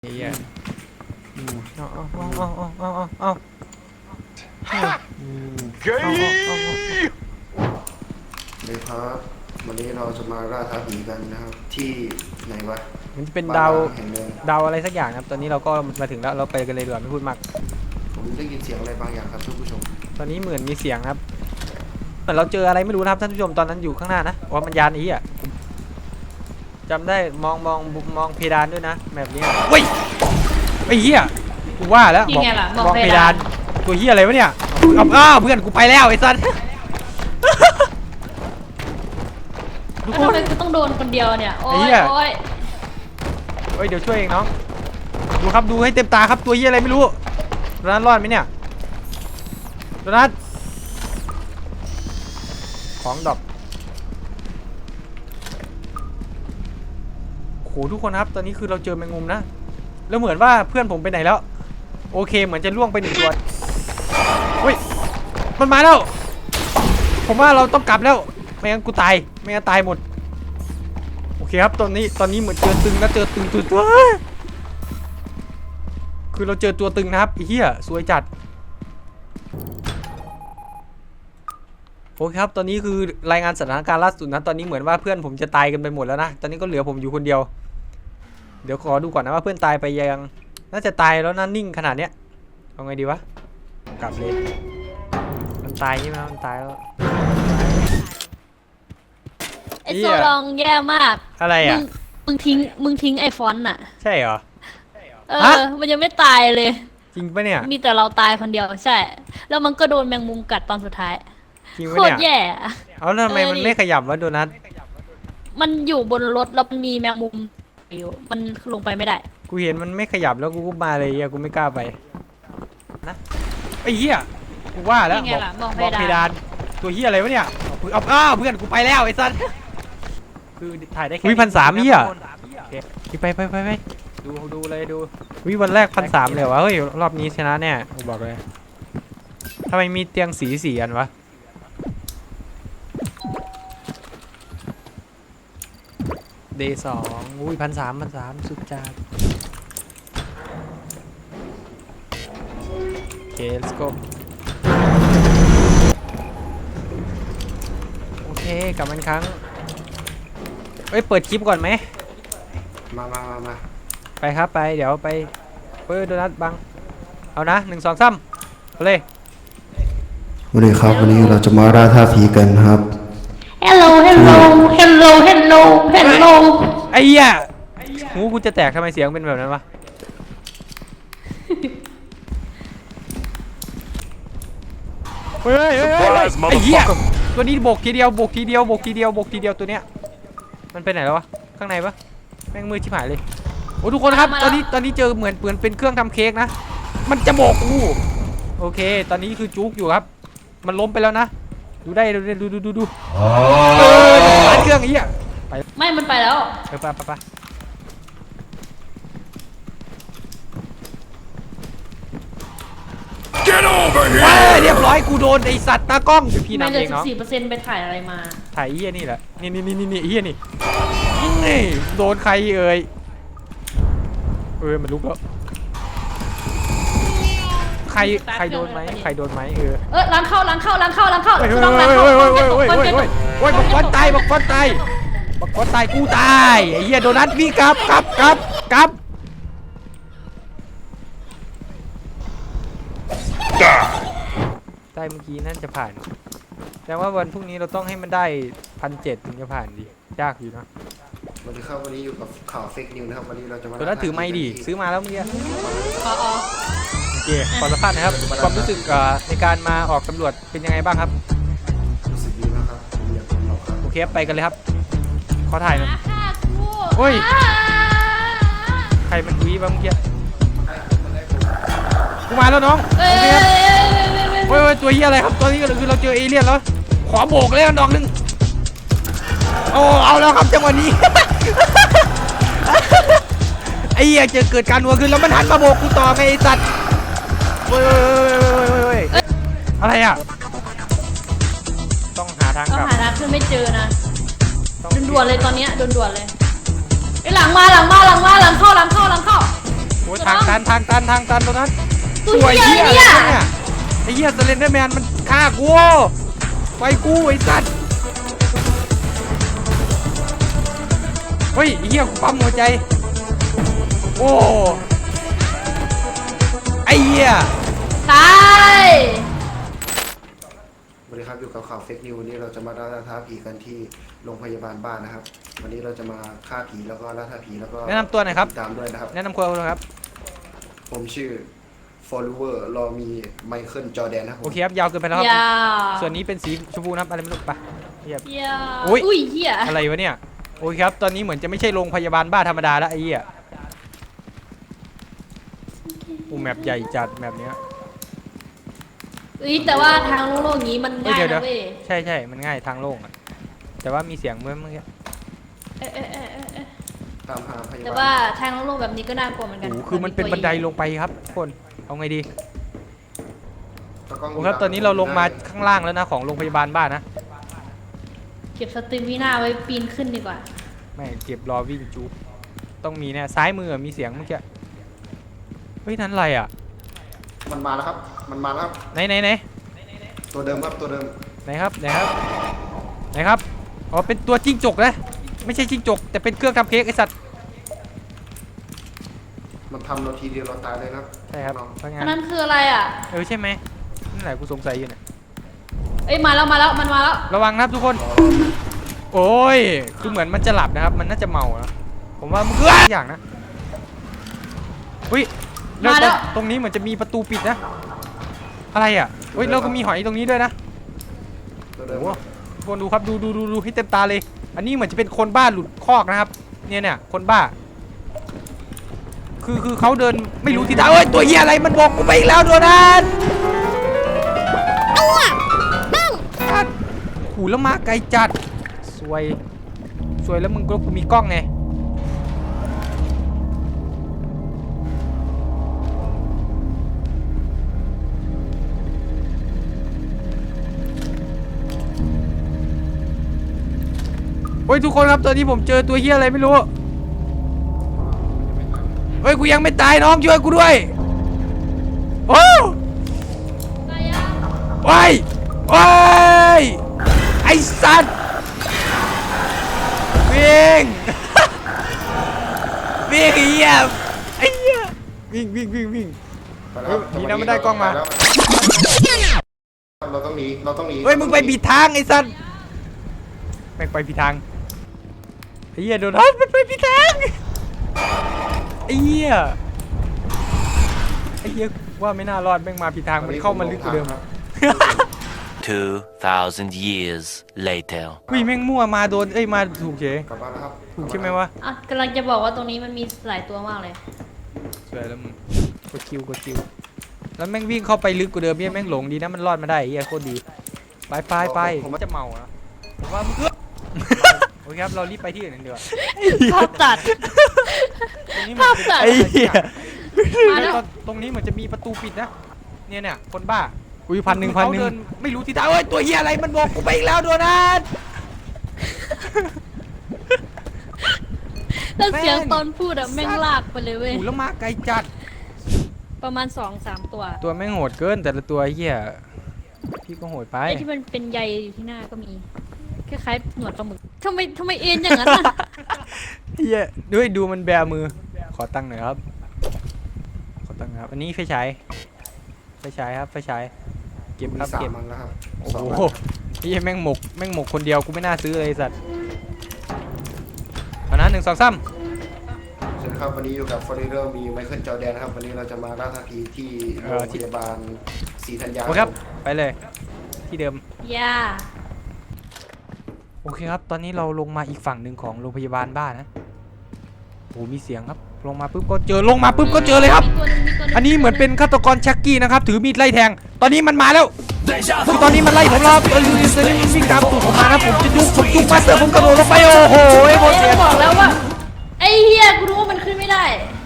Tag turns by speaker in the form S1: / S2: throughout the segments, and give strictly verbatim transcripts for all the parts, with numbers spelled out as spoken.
S1: เฮียเอาเอาเอาเอาเอาเอาเอา
S2: เฮ้ย
S3: เลยครับวันนี้เราจะมาล่าท้าผีกันนะครับที่ไหนวะ
S1: มันจะเป็นดาว
S3: แห่งหนึ่ง
S1: ดาวอะไรสักอย่างครับตอนนี้เราก็มาถึงแล้วเราไปกันเลยดีกว่าไม่พูดมาก
S3: ผมได้ยินเสียงอะไรบางอย่างครับท่านผู้ชม
S1: ตอนนี้เหมือนมีเสียงครับเหมือนเราเจออะไรไม่รู้นะครับท่านผู้ชมตอนนั้นอยู่ข้างหน้านะว่ามันยานไอ้เหี้ยจำได้มองมองมองเพดานด้วยนะแบบนี้เฮ้ยไอ้เหี้ยกูว่าแล้วบอกมองเพดานตัวเหี้ยอะไรวะเนี่ยเอาอ้าวเพื่อนกูไปแล้วไอ้สัส
S4: แล้วทำไมกูต้องโดนคนเดียวเนี่ยโอ้ยโอ้ย
S1: เฮ้ยเดี๋ยวช่วยเองน้องดูครับดูให้เต็มตาครับตัวเหี้ยอะไรไม่รู้โดนัทรอดไหมเนี่ยโดนัทของดรอปโหทุกคนครับตอนนี้คือเราเจอแมงมุมนะแล้วเหมือนว่าเพื่อนผมไปไหนแล้วโอเคเหมือนจะล่วงไปหนึ่งตัวเฮ้ยมันมาแล้วผมว่าเราต้องกลับแล้วไม่งั้นกูตายไม่งั้นตายหมดโอเคครับตอนนี้ตอนนี้เหมือนเจอตึงแล้วเจอตึงตัวตัวคือเราเจอตัวตึงนะครับไอ้เหี้ยสวยจัดโอเคครับตอนนี้คือรายงานสถานการณ์ล่าสุดนะตอนนี้เหมือนว่าเพื่อนผมจะตายกันไปหมดแล้วนะตอนนี้ก็เหลือผมอยู่คนเดียวเดี๋ยวขอดูก่อนนะว่าเพื่อนตายไปยังน่าจะตายแล้วนะนิ่งขนาดเนี้ยเอาไงดีวะกลับเลยมันตายใช่ไหมมันตายแล้ว
S4: ไอโซลองแย่มาก
S1: อะไรอ่ะ
S4: มึงทิ้งมึงทิ้งไอฟอนต์น่ะ
S1: ใช่เหรอ
S4: เออมันยังไม่ตายเลย
S1: จริงปะเนี่ย
S4: มีแต่เราตายคนเดียวใช่แล้วมันก็โดนแมงมุมกัดตอนสุดท้าย
S1: จริง
S4: โค
S1: ปะ
S4: ตร
S1: เนี่ย
S4: แย่
S1: เอาแล้วทำไมมันไม่ขยับวะโดนัท
S4: มันอยู่บนรถแล้วมันมีแมงมุมอยู่มันลงไปไม่ได้
S1: กูเห็นมันไม่ขยับแล้วกูก็มาเลยอ่ะกูไม่กล้าไปนะไอ้เหี้ยกูว่าแล้ว
S4: นี่ไงล่ะมอง
S1: บอก
S4: เพ
S1: เพ
S4: ดาน
S1: ดานตัวเหี้ยอะไรวะเนี่ยเอาอ้าวเพื่อนกูไปแล้วไอ้สัสคือถ่ายได้แค่วิพันสามเหี้ยไปไปไปไปดูดูเลยดูวิวันแรกพันสามเลยวะเฮ้ยรอบนี้ชนะแน่กูบอกเลยทำไมมีเตียงสีสีอันวะเดย์สองอุ้ยพันสามพันสามสุดจัดโอเค let's go โอเคกลับมาอีกครั้งเอ้ยเปิดคลิปก่อนไหม
S3: มามามามา
S1: ไปครับไปเดี๋ยวไปเปิดโดนัทบังเอานะหนึ่งสองสามเอาเลย
S3: วันนี้ครับวันนี้เราจะมาล่าท้าผีกันครับ
S4: Hello Hello Hello Hello Hello
S1: ไอ้เหี้ยหูกูจะแตกทำไมเสียงเป็นแบบนั้นวะเฮ้ยเฮ้ยเฮ้ยเฮ้ยไอ้เหี้ยตัวนี้โบกทีเดียวโบกทีเดียวโบกทีเดียวโบกทีเดียวตัวเนี้ยมันไปไหนแล้ววะข้างในปะแม่งมืดชิบหายเลยโอ้ทุกคนครับตอนนี้ตอนนี้เจอเหมือนเหมือนเป็นเครื่องทำเค้กนะมันจะโบกกูโอเคตอนนี้คือจุกอยู่ครับมันล้มไปแล้วนะดูได้ดูดูดูดูดูเออร้านเครื่องไอ้เหี้ยไป
S4: ไม่มันไปแล้ว
S1: เออไปไปไปเรียบร้อยกูโดนไอสัตว์ตากล้องพี่
S4: ไม่
S1: นำ
S4: เหลื
S1: เอ
S4: อง สิบ
S1: เนาะ
S4: สี่เปอร์เซ็นต์ไปถ่ายอะไรมา
S1: ถ่ายเฮียนี่แหละนี่นี่นี่นี่เฮียนี่นี่โดนใครเอ่ยเออมันลุกแล้วใครใครโดนไหมใครโดนไหมเออ
S4: เออล้างเข้าล้างเข้าล้างเข้าล้างเข้า
S1: เฮ้ย
S4: กู
S1: เฮ้ย
S4: ต้องล้าง
S1: เฮ้ย
S4: เข้า
S1: เฮ้ย
S4: ค
S1: เฮ้
S4: น
S1: ย
S4: เจ็บ
S1: เฮ้ย
S4: คน
S1: เฮ้ย
S4: เจ็บ
S1: เฮ้ยบักฟอนตายบักฟอนตายบักฟอนตายกูตายไอ้เหี้ยโดนัทพี่กลับกลับกลับกลับได้เมื่อกี้นั่นจะผ่านแต่ว่าวันพรุ่งนี้เราต้องให้มันได้พันเจ็ดถึงจะผ่านดิยากอยู่นะ
S3: วันนี้ครับวันนี้อยู่กับข่าวเฟกนิวนะครับวันนี้เราจะมา
S1: ตัวนั้นถือไม้ดิซื้อมาแล้วเมื่อกี้
S4: อ๋ออ๋อ
S1: โอเคขอสัมภาษณ์นะครับความรู้สึกในการมาออกตำรวจเป็นยังไงบ้างครับ
S3: รู้สึกดีนะครับผมอยากเป็นเราครับ
S1: โอเคไปกันเลยครับขอถ่ายหน่อย
S4: ฆ่ากู
S1: โอ้ย ใครมันวีบ้างเมื่อกี้กูมาแล้วน้อง
S4: เอ้ย
S1: โอเคครับ เฮ้ยตัวเหี้ยอะไรครับตัวนี้ก็คือเราเจอเอเลี่ยนแล้วขอโบกเลยกันดอกหนึ่งโอ้เอาแล้วครับจังหวะนี้ ไอ้เหี้ยจะเกิดการหัวขึ้นแล้วมันหันมาโบกกูต่อไงไอ้สัตว์เฮ้ยเฮ้ยอะไรอ่ะต้องหาทาง
S4: ต้อง
S1: กลับ
S4: หาทางขึ้นไม่เจอนะ
S1: ต้อง
S4: ด่วนๆเลยตอนเนี้ยด่วนๆเลยไอ้หลังมาหลังมาหลังมาหลังเข้าหลังเข้าหลังเข้า
S1: ทางตันทางตันทางตันตรงนั้น
S4: ตัว
S1: ตัว
S4: เหี้
S1: เหี้
S4: ย
S1: ย
S4: เนี่ย
S1: อะไรเนี่ยไอ้เหี้ยสเลนเดอร์แมนมันฆ่ากูไปกูไอ้สัตว์เฮ้ยไอ้เหี้ยกูปั๊มหัวใจโอ้ไอ้เหี้ย
S4: ตาย
S3: สวัสดีครับอยู่กับข่าวเฟกนิววันนี้เราจะมาล่าท้าผีกันที่โรงพยาบาลบ้านนะครับ วันนี้เราจะมาฆ่าผีแล้วก็ล่าท้าผีแล้วก็
S1: แนะนำตัวหน่อยครับ
S3: ติดตามด้วยนะครับ
S1: แนะนำตัวเลยครับ
S3: ผมชื่อ follower รอมีไมเคิลจอแดนนะครับผม
S1: โอเคครับยาวเกินไปแล้วครับ
S4: ยา
S1: ส่วนนี้เป็นสีชมพูนะครับอะไรไม่รู้ปะเหี้ย
S4: ยา
S1: อุ๊ย
S4: อุ้ยเหี้ย
S1: อะไรวะเนี่ยโอเคครับตอนนี้เหมือนจะไม่ใช่โรงพยาบาลบ้าธรรมดาแล้วไอ้เหี้ยอูแมปใหญ่จัดแมปเนี้ย
S4: เอ้ยแต่ว่าทางโลกๆอย่างนี้มัน
S1: เอ้ย
S4: ง่าย
S1: เดี๋ยว
S4: นะ
S1: เดี๋ยว
S4: เว้ย
S1: ใช่ใช่มันง่ายทางโล่งอะแต่ว่ามีเสียงเมื่อเมื่อกี้
S4: เอ๊ะเอ๊ะเอ๊ะเอ๊ะเอ๊ะ
S3: ตามหาพยา
S4: แต่
S3: บา
S4: ว่า
S3: ล
S4: ทางโลกๆแบบนี้ก็น่ากลัวเหมือนกัน
S1: โอ้โหคือมันเป็นบันไดลงไปครับทุกคนเอาไงดี
S3: ตะกล้อง
S1: โอ้ครับตอนนี้เราลงมาข้างล่างแล้วนะของโรงพยาบาลบ้านนะ
S4: เก็บสตรีมวินาไว้ปีนขึ้นดีกว่า
S1: ไม่เก็บรอวิ่งจูบต้องมีแน่ซ้ายมือมีเสียงเมื่อกี้เฮ้ยนั้นอะไรอ่ะ
S3: มันมาแล้วครับ มันมาแล้วครับ
S1: ไหนไหนไหน
S3: ตัวเดิมครับตัวเดิม
S1: ไหนครับไหนครับไหนครับอ๋อเป็นตัวจิ้งจกนะไม่ใช่จิ้งจกแต่เป็นเครื่องทำเค้กไอสัตว์
S3: มันทำเราทีเดียวเราตายเลยนะครับ
S1: ใช่ครับ
S3: น้อง
S1: เพราะ
S4: อั
S1: งั้
S4: น
S1: น
S4: นั้นคืออะไรอ่ะ
S1: เออใช่ไหมนั่นแหละกูสงสัยอยู่เนี่ย
S4: เอ้ยมาแล้วมาแล้วมันมาแล้ว
S1: ระวังนะครับทุกคน โอ้ยคือเหมือนมันจะหลับนะครับ มันน่าจะเมานะผมว่ามันคืออย่างนะอุ้ยแล้วตรงตรงนี้เหมือนจะมีประตูปิดนะอะไรอ่ะเฮ้ยเราก็มีหอยตรงนี้ด้วยนะ
S3: ตัวเดิม
S1: โอ้
S3: ครับ
S1: ทุกคนดูครับดูดูดูดูให้เต็มตาเลย อันนี้เหมือนจะเป็นคนบ้าหลุดคอกนะครับ เนี่ยเนี่ยคนบ้า คือคือเขาเดินไม่รู้ทิศทางเอ้ยตัวเหี้ยอะไรมันบอกกูไปอีกแล้วโดนัทจัดขู่แล้วมาไกลจัดสวยสวยแล้วมึงก็กูมีกล้องไงโอ้ยทุกคนครับตอนนี้ผมเจอตัวเหี้ยอะไรไม่รู้เฮ้ยกูยังไม่ตายน้องช่วยกูด้วยโอ้
S4: ตายยัง
S1: โอ้ยโอ้ยไอ้สัตว์วิ่ง วิ่งไอ้เหี้ยไอ้เหี้ยวิ่งวิ่งวิ่งวิ่ง
S3: ไปแล้วครับ
S1: เฮ้ยดีนะไม่ได้กล้องมา
S3: ไปแล้วเราต้องหนีเราต้องหนี
S1: เฮ้ยมึงไปผิดทางไอ้สัตว์แม่งไปผิดทางไอ้เหี้ยโดนทับมันไปผิดทางไอ้เหี้ยไอ้เหี้ยว่าไม่น่ารอดแม่งมาผิดทางมันเข้ามาลึกกว่าเดิม
S2: Two thousand years later.
S1: วิ่งแม่งมั่วมาโดนเอ้ยมาถูกเฉย
S3: กลับบ้านแล้วครับ
S1: ถูกใช่ไหมวะ
S4: อ่ะกำลังจะบอกว่าตรงนี้มันมีหลายตัวมากเลย
S1: สวยแล้วมึงกดคิวกดคิวแล้วแม่งวิ่งเข้าไปลึกกว่าเดิมเนี่ยแม่งหลงดีนะมันรอดมาได้ไอ้เหี้ยโคตรดีไปไปไปผมจะเมาอะผมว่ามึง โอเคครับเรารีบไปที่อื่นกันดีกว่า
S4: ภาพตัด
S1: ตรงนี้
S4: ภาพตัด
S1: ไอ้เหี้ย
S4: มาแล้ว
S1: ตรงนี้เหมือนจะมีประตูปิดนะเนี่ยเนี่ยคนบ้าอุ้ยพันหนึ่งพันหนึ่งไม่รู้ทิศทางเอ้ยตัวเหี้ยอะไรมันบอกกูไปอีกแล้วโดนัท
S4: แล้วเสียง
S1: แม่ง
S4: ตอนพูดอะแม่งลากไปเลยเว้ย
S1: หูแล้วมาไกลจัด
S4: ประมาณสองสามตัว
S1: ตัวแม่งโหดเกินแต่ละตัวไอ้เหี้ยพี่ก็โหดไป
S4: ไอ้ที่มันเป็นใยอยู่ที่หน้าก็มีคล้ายๆหนวดปลาหมึกทำไมทำไมเอ็นอย่างนั้นอะ
S1: เหี้ยด้วยดูมันแบมือขอตังค์หน่อยครับขอตังค์ครับอันนี้ไฟฉายไฟฉายครับไฟฉายเก็บ
S3: มี
S1: ครับ
S3: สาม
S1: เก็บ
S3: มันแล้วครับ
S1: โอ้
S3: สอง
S1: โห
S3: มัน
S1: นี่แม่งหมกแม่งหมกคนเดียวกูไม่น่าซื้อเลยไอ้สัตว์เอานะหนึ่งสองสาม
S3: สวัสดีครับวันนี้อยู่กับฟอร์เรอร์มีไมเคิลจอแดนนะครับวันนี้เราจะมาล่าท้าผีที่โรงพยาบาลศรีธัญญา
S1: โอเคครับไปเลยที่เดิม
S4: ย่า
S1: โอเคครับตอนนี้เราลงมาอีกฝั่งหนึ่งของโรงพยาบาลบ้านนะโอ้มีเสียงครับลงมาปุ๊บก็เจอลงมาปุ๊บก็เจอเลยครับ
S4: มีตัวหนึ่งมีตัวหนึ่ง
S1: อันนี้เหมือนเป็นฆาตกรชักกี้นะครับถือมีดไล่แทงตอนนี้มันมาแล้วคือตอนนี้มันไล่ผมแล้วครับตอนนี้มันวิ่งตามตูดผมมานะผมจะยุบผมยุบมาสเตอร์ผมกระโดดลงไปโอ้โหไอ้โคตร
S4: เอ้
S1: เสี
S4: ย
S1: ย
S4: บอกแล้วว่าไอ้เฮียกูรู้ว่ามันขึ้นไม่ได้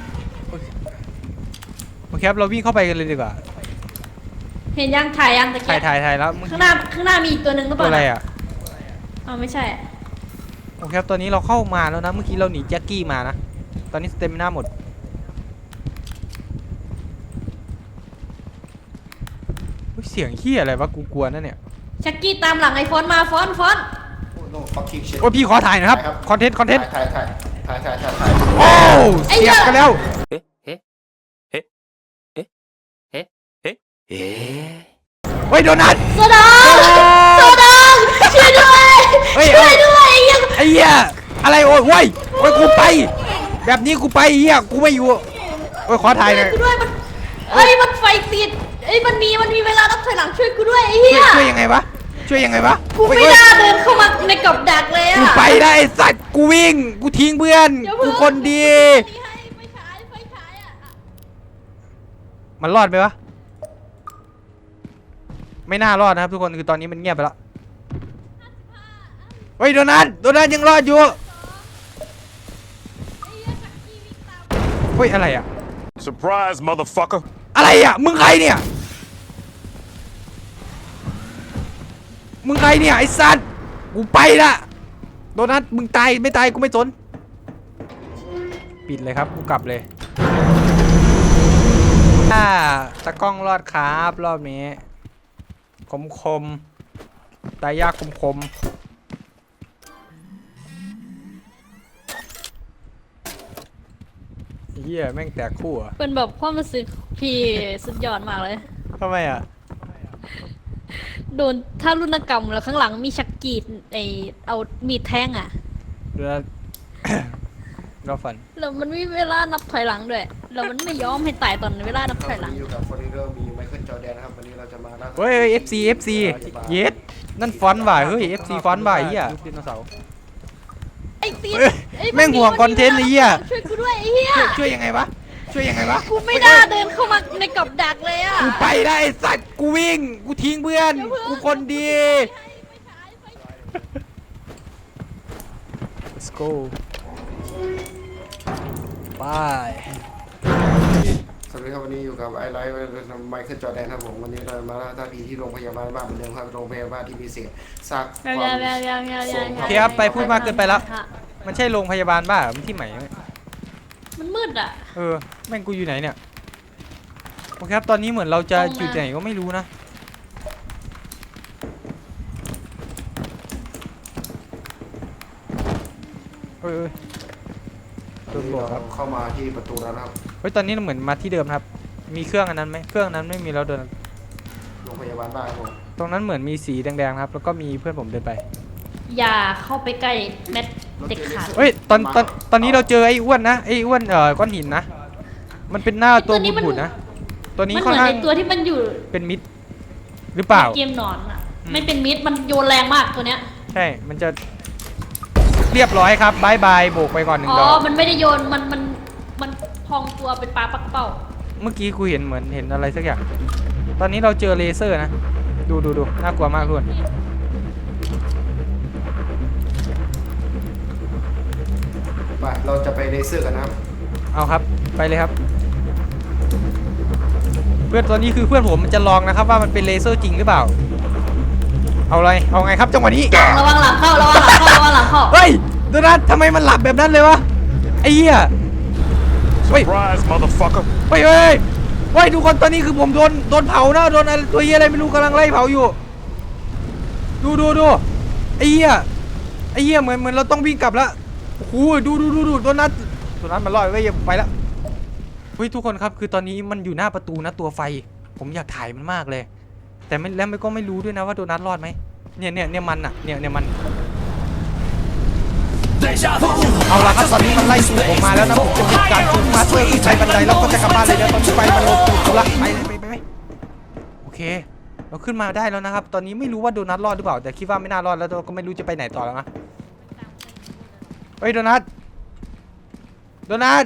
S1: โอเคครับเราวิ่งเข้าไปกันเลยดีกว่า
S4: เห็นยังถ่ายยังตะ
S1: ถ่า
S4: เกี
S1: ย
S4: ยบ
S1: ถ่ายถ่ายแล้วเมื่อ
S4: ข้าง
S1: กี้
S4: หน้าข้างหน้ามีอีกตัวหนึ่งหรือเป
S1: ตัว
S4: ล่า
S1: อะไร
S4: น่
S1: อ่ะ
S4: อ๋อไม่ใช่
S1: โอเคครับตอนนี้เราเข้ามาแล้วนะเมื่อกี้เราหนีแจ็คกี้มานะตอนนี้สเตมิน่าหมดเสียงเฮียอะไรวะกูกลัวนั่นเนี่ย
S4: ชักกี้ตามหลังไอ้ฟอนมาฟอนฟอน
S3: โอ้ no fucking shit
S1: โอ้ยพี่ขอถ่ายหนะครับคอนเทนต์คอนเทนต์
S3: ถ่ายถ่ายถ่ายถ่ายถ่ายถ่าย
S1: โอ้เสียบกันแล้ว
S2: ええええええええ
S1: เฮ้ยโดนัท
S4: โซดาโซดาช่วยด้วย
S1: เฮ้ย
S4: ช่วยด้วยไอ้ยัง
S1: ไอ้เหี้ยอะไรโอ้ยโว้ยโอ้ยกูไป แบบนี้กูไปเหี้ยกูไม่อยู่โอ้ยขอถ่ายหน่อย
S4: กูด้วยมันเอ้ยมันไฟติดเอ้ยมันมีมันมีเวลานับถอยหลังช่วยกูด้วยไอ้เหี้
S1: ช่วย
S4: ย
S1: ช่วยยังไงวะช่วยยังไงวะ
S4: กูไม่
S1: โอ้ย
S4: น่าเดินเข้ามาในกับดักเลยอะ
S1: กูไปได้ไอ้สัตว์กูวิ่งกูทิ้งเพื่อน
S4: เดี๋ยว
S1: กู
S4: เพิ่ง
S1: คนดี
S4: ให้ไฟฉายไฟฉายอะ
S1: มันรอดไหมวะไม่น่ารอดนะครับทุกคนคือตอนนี้มันเงียบไปแล้วเฮ้ยโดนัทโดนัทยังรอดอยู่เฮ้ยอะไรอะ
S5: Surprise, motherfucker.
S1: อะไรอะมึงใครเนี่ยมึงใครเนี่ยไอ้สัตว์กูไปละโดนัทมึงตายไม่ตายกูไม่สนปิดเลยครับกูกลับเลยถ้าตะกล้องรอดครับรอบนี้คมคมตายยากคมคมเฮียแม่งแตกคู่อะ
S4: เป็นแบบความรู้สึกพี่สุดยอดมากเลย
S1: ทำไมอะ
S4: โดนท่ารุณกรรมแล้วข้างหลังมีชักกีดไอเอามีดแทงอ่ะ
S1: โดนัท เราฝัน
S4: แล้วมันมีเวลานับถอยหลังด้วยแล้วมันไม่ยอมให้ตายตอนเวลานับถอยหลั
S3: วัน
S4: ง
S3: นี้อยู่กับฟอร์เรอร์มีไมเคิลจอร์แดนนะครับวันนี้เราจะมาล่าท้า
S1: เฮ้ย เอฟ ซี เอฟ ซี เยสนั่นฟอนต์ว่ะเฮ้ย เอฟ ซี ฟอนต์ว่ะไอ้เหี้ยยุคไดโนเสาร์
S4: ไอ้ตีน
S1: เอ้ย
S4: ไอ้
S1: แม่งห่วงคอนเทนต์ไอ้เหี้ย
S4: ช่วยกูด้วยไอ้เหี้ย
S1: ช่วยยังไงวะ ช่วยยังไงวะ
S4: กูไม่น่าเดินเข้ามาในกับดักเลยอ่ะ
S1: กูไปได้ไอ้สัตว์กูวิ่ง กูทิ้งเพื่อน กูคนดี let's go ไป
S3: สวัสดีครับวันนี้อยู่กับไอไลท์ไมเคิลจอร์แดนครับผมวันนี้เรามาล่าท้าผีที่โรงพยาบาลบ้านเหมือนเดิมครับโรงพยาบาลที่มีเศษซากความ
S1: โอเคครับไปพูดมากเกินไปแล้ว มันใช่โรงพยาบาลบ้าเหรอมันที่ไหนวะ
S4: มันมืดอ่ะ
S1: เออ แม่งกูอยู่ไหนเนี่ย โอเคครับ ตอนนี้เหมือนเราจะ
S4: ตรงมา
S1: อยู่ไหนก็ไม่รู้นะ เอ้ยเอ้ยโดน
S3: นี่
S1: บวกค
S3: เรา
S1: รับ
S3: เข้ามาที่ประตูแล้วนะครับ
S1: เฮ้ย ตอนนี้เราเหมือนมาที่เดิมครับ มีเครื่องอันนั้นไหมเครื่องนั้นไม่มีแล้วเดิน
S3: โรงพยาบาลบ้านครับผม
S1: ตรงนั้นเหมือนมีสีแดงๆครับ แล้วก็มีเพื่อนผมเดินไป
S4: อย่าเข้าไปใกล้แมทเด็กขาด
S1: เฮ้ย ตอนตอนตอนนี้เราเจอไอ้อ้วนนะ ไอ้อ้วนเอ่อก้อนหินนะ มันเป็นหน้าตัวบุดๆนะ ตัวนี้
S4: มันเห
S1: ค่อน
S4: มือน
S1: ข้าง
S4: ไอตัวที่มันอยู่
S1: เป็นมิดหรือเปล่า
S4: เกมหนอนอ่ะไม่เป็นมิดมันโยนแรงมากตัวเนี้ย
S1: ใช่ มันจะเรียบร้อยครับบายบายโบกไปก่อนหนึ่ง
S4: อ๋อ
S1: ดอก
S4: มันไม่ได้โยนมันมันมันพองตัวเป็นปลาปักเป้า
S1: เมื่อกี้กูเห็นเหมือนเห็นอะไรสักอย่าง ตอนนี้เราเจอเลเซอร์นะ ดูดูดูน่ากลัวมากทุกคน
S3: ไปเราจะไปเลเซอร์กันนะครับ
S1: เอาครับ ไปเลยครับ เพื่อนตัวนี้คือเพื่อนผมมันจะลองนะครับว่ามันเป็นเลเซอร์จริงหรือเปล่า เอาอะไร เอาไงครับจังหวะนี้
S4: ระวังหลังเข้าระวังหลังเข้าระวังหลังเข้า
S1: เฮ้ยดูนะทำไมมันหลับแบบนั้นเลยวะ ไอ้เหี้ย เฮ้ย
S5: Surprise, motherfucker.
S1: เฮ้ยเฮ้ยเฮ้ยทุกคนตอนนี้คือผมโดนโดนเผานะโดนอะไรตัวเหี้ยอะไรไม่รู้กำลังไล่เผาอยู่ ดูดูดูไอ้เหี้ยไอ้เหี้ยเหมือนเหมือนเราต้องวิ่งกลับแล้วโอ้โหดูดูดูดูตัวนั้นตัวนั้นมันลอยไว้ไปแล้วเฮ้ยทุกคนครับคือตอนนี้มันอยู่หน้าประตูนะตัวไฟ ผมอยากถ่ายมันมากเลย แต่ไม่แล้วไม่ก็ไม่รู้ด้วยนะว่าโดนัทรอดไหมเนี่ยเนี่ยเนี่ยมันอะเนี่ยเนี่ยมันเอาละครับตอนนี้มันไล่สูบผมมาแล้วนะผมจะมีการสูบมาเพื่อที่ใช้บันไดแล้วก็จะกลับบ้านเลยเดี๋ยวตอนนี้ไฟมันลงตูดเขาละไปเลยไปไปไปโอเค เราขึ้นมาได้แล้วนะครับ ตอนนี้ไม่รู้ว่าโดนัทรอดหรือเปล่าแต่คิดว่าไม่น่ารอดแล้วเราก็ไม่รู้จะไปไหนต่อแล้วนะเฮ้ยโดนัทโดนัท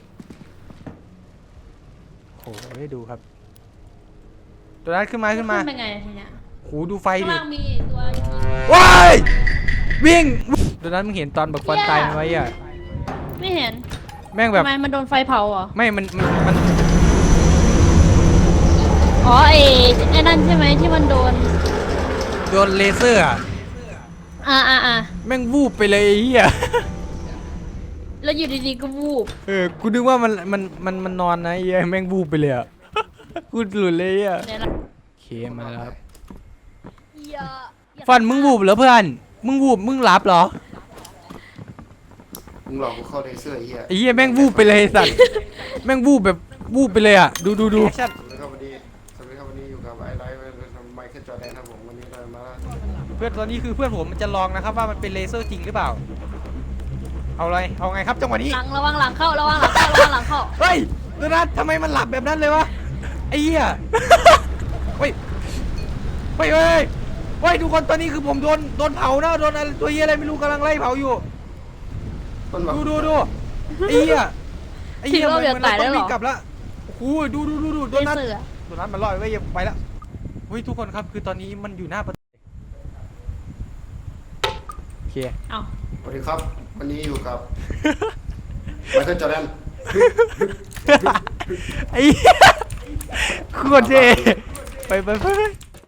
S1: โอ้โหให้ดูครับโดนัทขึ้นมาขึ้นมา
S4: ขึ้นไปไงทีเนี้ย
S1: โหดูไฟ
S4: ข้าง
S1: ดิ
S4: ล่างมีตัว
S1: ว้ายวิ่งโดนัทมึงเห็นตอนบักฟันตายไหมอ่ะ
S4: ไม่เห็น
S1: แม่งแบบ
S4: ทำไมมันโดนไฟเผาเหรอ
S1: ไม่มันมันมัน
S4: อ๋อไอ้ไอ้นั่นใช่ไหมที่มันโดน
S1: โดนเลเซอร์อ่ะ
S4: อ่าอ่าอ่า
S1: แม่งวูบไปเลยไอ้เหี้ย
S4: แล้วอยู่ดีๆก็วูบ
S1: เออกูนึกว่ามันมันมันมันนอนนะไอ้เหี้ยแม่งวูบไปเลยอ่ะกูหลุดเลยอ่ะ
S4: เนี่ยละ
S1: โอเคเคมาแล้วครับ
S4: อย่าอย่า
S1: ฟันมึงวูบเหรอเพื่อนมึงวูบมึงหลับเหรอ
S3: มึงหลอกกูเข้าในเสื้อไอ้เหี้ย
S1: ไอ้เหี้ยแม่งวูบไปเลยไอ้สัตว์แม่งวูบแบบวูบไปเลยอ่ะดูดูดู
S3: สวัสดีครับวันนี้สวัสดีครับวันนี้อยู่กับไอไลท์ไมเคิลจอร์แดนครับผมวันนี้เรามา
S1: เพื่อนตอนนี้คือเพื่อนผมมันจะลองนะครับว่ามันเป็นเลเซอร์จริงหรือเปล่าเอาอะไรเอาไงครับจังหวะนี้
S4: หลังระวังหลังเข้าระวังหลังเข้าระวังหลังเข้า
S1: เฮ้ยโดนัททำไมมันหลับแบบนั้นเลยวะไอ้เหี้ยเฮ้ยเฮ้ยเฮ้ยเฮ้ยทุกคนตอนนี้คือผมโดนโดนเผานะโดนอะไรตัวเหี้ยอะไรไม่รู้กำลังไล่เผาอยู่
S3: ต้นแบบ
S1: ดูดูดูไอ้เหี้ยไอ้
S4: คิด
S1: เหี้ย
S4: ว่าเดือดตายได้
S1: ต้อง
S4: หร
S1: วิ่
S4: อง
S1: กลับแล้วโอ้โหดูดูดูดูโด
S4: ไม่
S1: นัท
S4: เสือ
S1: โดนัทมันลอยไว้ยังไปแล้วเฮ้ยทุกคนครับคือตอนนี้มันอยู่หน้าประตูโอเค
S4: เอา
S3: สวัสดีครับ วันนี้อยู่กับไมเคิลจอร์แดน
S1: ไอ้เหี้ยโคตรเท่ไปไปไปไป